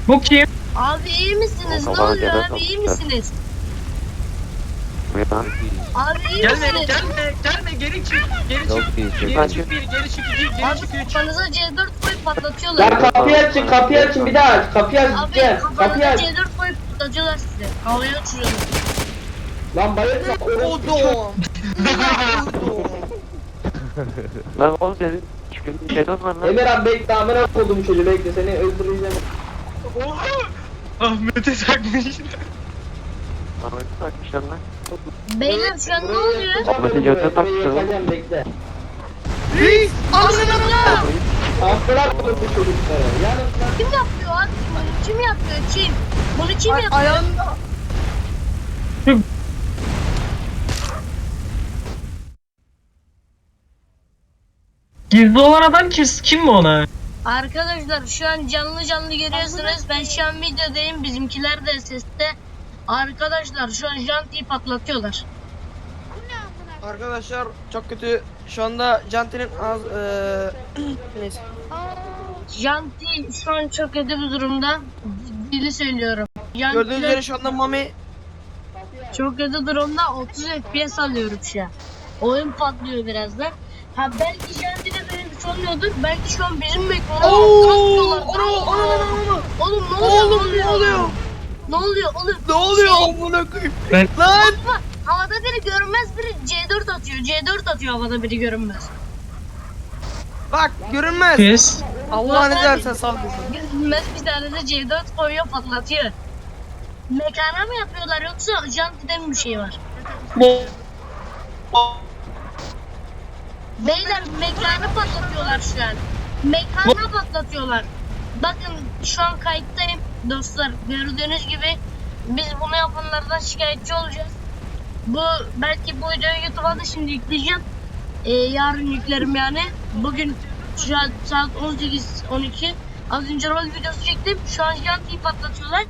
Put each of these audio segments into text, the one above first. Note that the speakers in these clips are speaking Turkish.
Bu kim? Abi iyi misiniz? Ne oluyor abi, iyi misiniz? Abi iyi Gelme misiniz? gelme geri çık. Geri çık. Geri çık bir geri çık iki geri Abi çık üç. kafanıza C4 koyup patlatıyorlar. Lan kapıyı açın bir daha aç. Kapıyı aç Abi gideceğim. Kapıyı kafanıza aç. C4 koyup patlatıyorlar sizi. Havaya uçuruyorlar. Lan bayılma. Odom. Lan oğlum senin çıkın şeyden var lan. Emirhan bekle amına koydum çocuğu bekle seni öldüreceğim. Oha! Ahmet'e takmış. Ahmet'i takmışlar lan. Beyler şu an ne oluyor? Ahmet'in götüne takmışlar lan. Yakacağım bekle. Reis. Allah! Amına koydum bu çocukları. Yanım lan. Kim yapıyor abi? Bunu kim yapıyor? Kim? Bunu kim yapıyor? Ayağında. Gizli olan adam kim mi ona? Arkadaşlar şu an canlı görüyorsunuz. Ben şu an videodayım. Bizimkiler de seste. Arkadaşlar şu an jantiyi patlatıyorlar. Arkadaşlar çok kötü. Şu anda Janti'nin az neyse. Janti şu an çok kötü bir durumda. Ciddili söylüyorum. Gördüğünüz üzere Janti şu anda Mami çok kötü durumda. 30 FPS alıyorum şu an. Oyun patlıyor birazdan. Ha belki Janti'de böyle bir şey olmuyordur. Belki şu an bizim mekanı Oğlum ne oluyor? ne oluyor? Ne oluyor oğlum? Ne oluyor amına koyayım? Ben- Lan! Havada biri görünmez, biri C4 atıyor. C4 atıyor havada biri görünmez. Bak görünmez. Pis. Allah ne dersen sallasın. Görünmez bir tane de C4 koyuyor, patlatıyor. Mekana mı yapıyorlar yoksa Janti'de mi bir şey var? Beyler mekanı patlatıyorlar şu an. Mekanı patlatıyorlar. Bakın şu an kayıttayım dostlar. Gördüğünüz gibi biz bunu yapanlardan şikayetçi olacağız. Bu belki bu videoyu YouTube'a da şimdi yükleyeceğim. Yarın yüklerim yani. Bugün şu an saat 18-12. Az önce rol videosu çektim. Şu an jantiyi patlatıyorlar.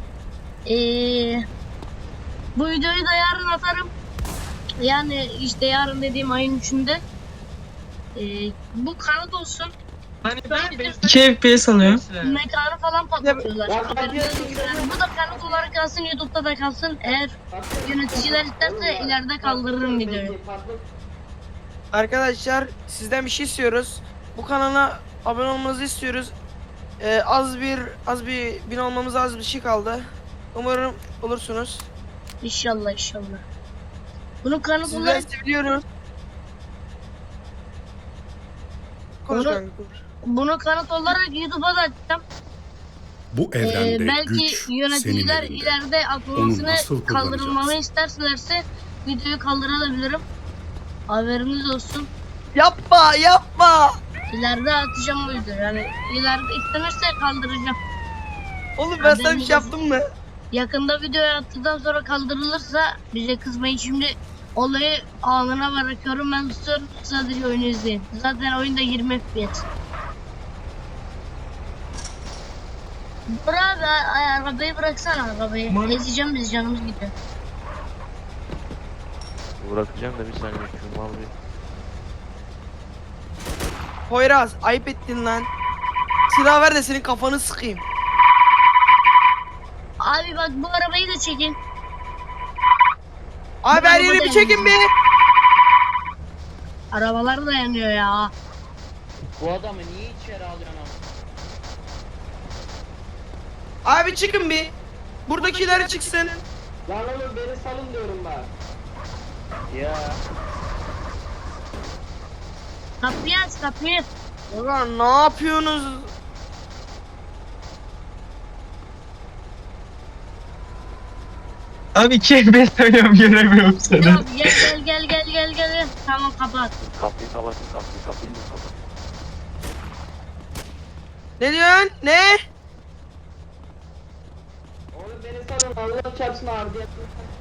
Bu videoyu da yarın atarım. Yani işte yarın dediğim ayın 3'ünde. Bu kanıt olsun. Hani ben 2 FPS alıyorum. Mekanı falan patlatıyorlar. Ya, Haberiniz olsun. Bu da kanıt olarak kalsın, YouTube'da da kalsın. Eğer yöneticiler isterse ileride kaldırırım videoyu. Arkadaşlar sizden bir şey istiyoruz. Bu kanala abone olmanızı istiyoruz. Az bir bin olmamız az bir şey kaldı. Umarım olursunuz. İnşallah inşallah. Bunun kanıt Sizden olarak seviyoruz. Konuş Onu- kanka, konuş. bunu kanıt olarak YouTube'a da atacağım. Bu evrende Belki güç senin yöneticiler elinde. ileride atılmasını Onu nasıl kaldırılmamı kullanacaksın? isterlerse videoyu kaldırabilirim. Haberiniz olsun. Yapma. İleride atacağım bu videoyu. Yani ileride istenirse kaldıracağım. Oğlum ben sana bir şey yaptım mı? Yakında videoyu attıktan sonra kaldırılırsa bize kızmayın. Şimdi olayı anına bırakıyorum. Ben tutuyorum, sadece oyunu izleyin. Zaten oyunda 20 FPS. Dur abi, arabayı bıraksana arabayı. Ezeceğim biz, canımız gidiyor. Bırakacağım da bir saniye şu mal bir. Poyraz ayıp ettin lan. Silah ver de senin kafanı sıkayım. Abi bak bu arabayı da çekin. Abi her yeri bir çekin bir. Arabalar da yanıyor ya. Bu adamı niye içeri alıyorsun Abi çıkın bir. Buradakiler çıksın. Lan oğlum beni salın diyorum bak. ya? Kapıyı aç kapıyı. Ulan ne yapıyorsunuz? Abi 2 FPS oynuyorum göremiyorum seni. Ya gel. Tamam kapat. Kapıyı kapatın kapıyı kapat. Ne diyorsun? Ne? Oğlum beni salın Allah çarpsın ağrı diye.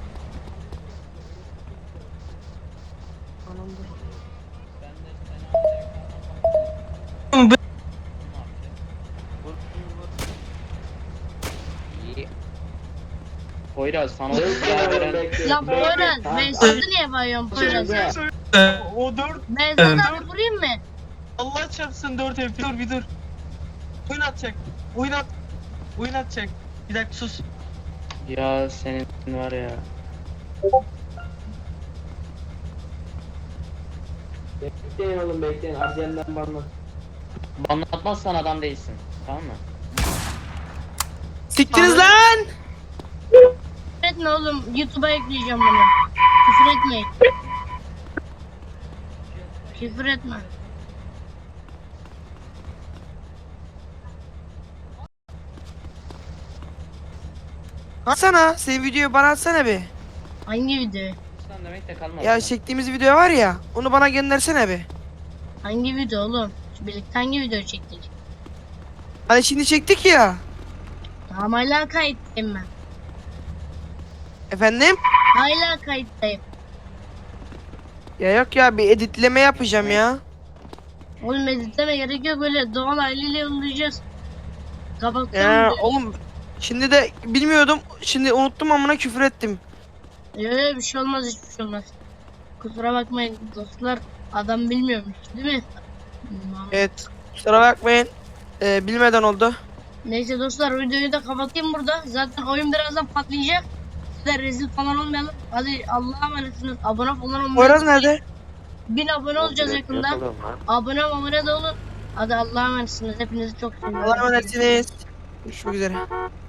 Poyraz sana silah veren Lan Poyraz, ben sizi niye bayıyorum Poyraz? O 4 Ben sana abi vurayım mı? Allah çarpsın 4 FPS. Dur bir dur. Oyun atacak. Oyun atacak. Bir dakika sus. Ya senin var ya. Bekleyin oğlum bekleyin. RDM'den bana. Bana atmazsan adam değilsin. Tamam mı? Siktiniz lan! Küfür etme oğlum. YouTube'a yükleyeceğim bunu. Küfür etmeyin. Küfür etme. Atsana. Senin videoyu bana atsana bir. Hangi video? Sen demek de kalmadı. Ya çektiğimiz video var ya. Onu bana göndersene bir. Hangi video oğlum? Birlikte hangi video çektik? Hani şimdi çektik ya. Tamam hala kayıttayım ben. Efendim? Hala kayıttayım. Ya yok ya, bir editleme yapacağım ya. Oğlum editleme gerek yok, böyle doğal haliyle yollayacağız. Kapattım. Ya oğlum şimdi de bilmiyordum. Şimdi unuttum, amına küfür ettim. Yok bir şey olmaz, hiçbir şey olmaz. Kusura bakmayın dostlar, adam bilmiyormuş değil mi? Evet. Kusura bakmayın. Bilmeden oldu. Neyse dostlar, videoyu da kapatayım burada. Zaten oyun birazdan patlayacak. Sizler rezil falan olmayalım. Hadi Allah'a emanetsiniz. Abone falan olmayı Poyraz unutmayın. nerede? 1000 abone olacağız yakında. Abone de olun. Hadi Allah'a emanetsiniz. Hepinizi çok seviyorum. Allah'a emanetsiniz. Görüşmek üzere.